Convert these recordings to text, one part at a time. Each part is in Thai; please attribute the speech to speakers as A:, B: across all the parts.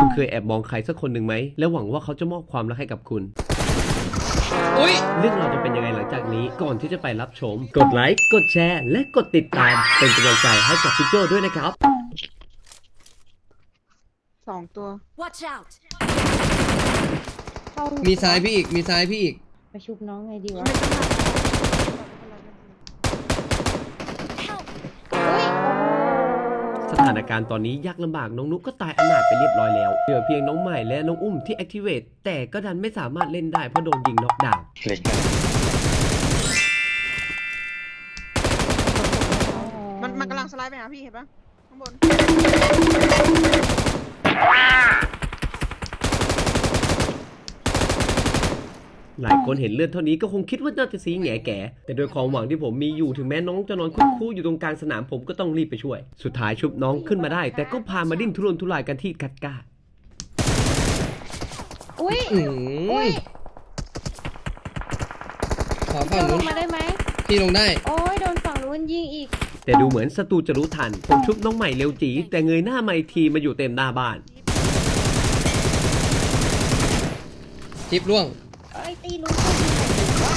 A: คุณเคยแอบมองใครสักคนหนึ่งไหมแล้วหวังว่าเขาจะมอบความรักให้กับคุณเรื่องเราจะเป็นยังไงหลังจากนี้ก่อนที่จะไปรับชมกดไลค์กดแชร์และกดติดตามเป็นกำลังใจให้กับพี่โจ้ด้วยนะครับ
B: 2 ตัว
C: Watch out!
D: มีซ้ายพี่อีก มีซ้ายพี่อีก
E: ไปชุบน้องไงดีวะ
C: Help!
A: สถานการณ์ตอนนี้ยากลำบากน้องนุ๊กก็ตายอนาถไปเรียบร้อยแล้วเหลือเพียงน้องใหม่และน้องอุ้มที่ Activate แต่ก็ดันไม่สามารถเล่นได้เพราะโดนยิงน็อกดาวน์
B: มันกำลังสไลด์ไปหาพี่เห็นปะข้างบน
A: หลายคนเห็นเลือดเท่านี้ก็คงคิดว่าน่าจะซีแง่แก่แต่โดยความหวังที่ผมมีอยู่ถึงแม้น้องจะนอนคุกคู่อยู่ตรงกลางสนามผมก็ต้องรีบไปช่วยสุดท้ายชุบน้องขึ้นมาได้แต่ก็พามาดิ้นทุรนทุรายกันที่กัดก้า
E: อุ้ย
D: อุ้ยขอฝั่ง
E: ล
D: นู้
E: ง
D: น
E: มาได้ไหม
D: พี่ลงได้
E: โอ้ยโดนฝั่งนู้นยิงอีก
A: แต่ดูเหมือนศัตรูจะรู้ทันผมชุบน้องใหม่เร็วจีแต่เงยหน้ามาอีกทีมาอยู่เต็มหน้าบ้าน
D: จิ๊บล่วง
E: เอ้ยตีนู้นก็ยิงหน่อยดิวะ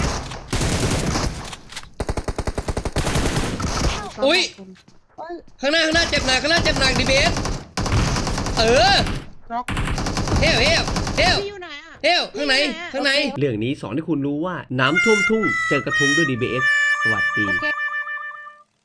D: อุ๊ย
E: โอ้ย
D: ข้างหน้าเจ็บหนักดีเบสเออ
B: น็อก
D: เฮล
B: พี่อยู่ไหนอ่ะ
D: ข้างใน
A: เรื่องนี้สอนให้คุณรู้ว่าน้ำท่วมทุ่งเจอกระทุ้งด้วย DBS สวัสดี
E: โอเค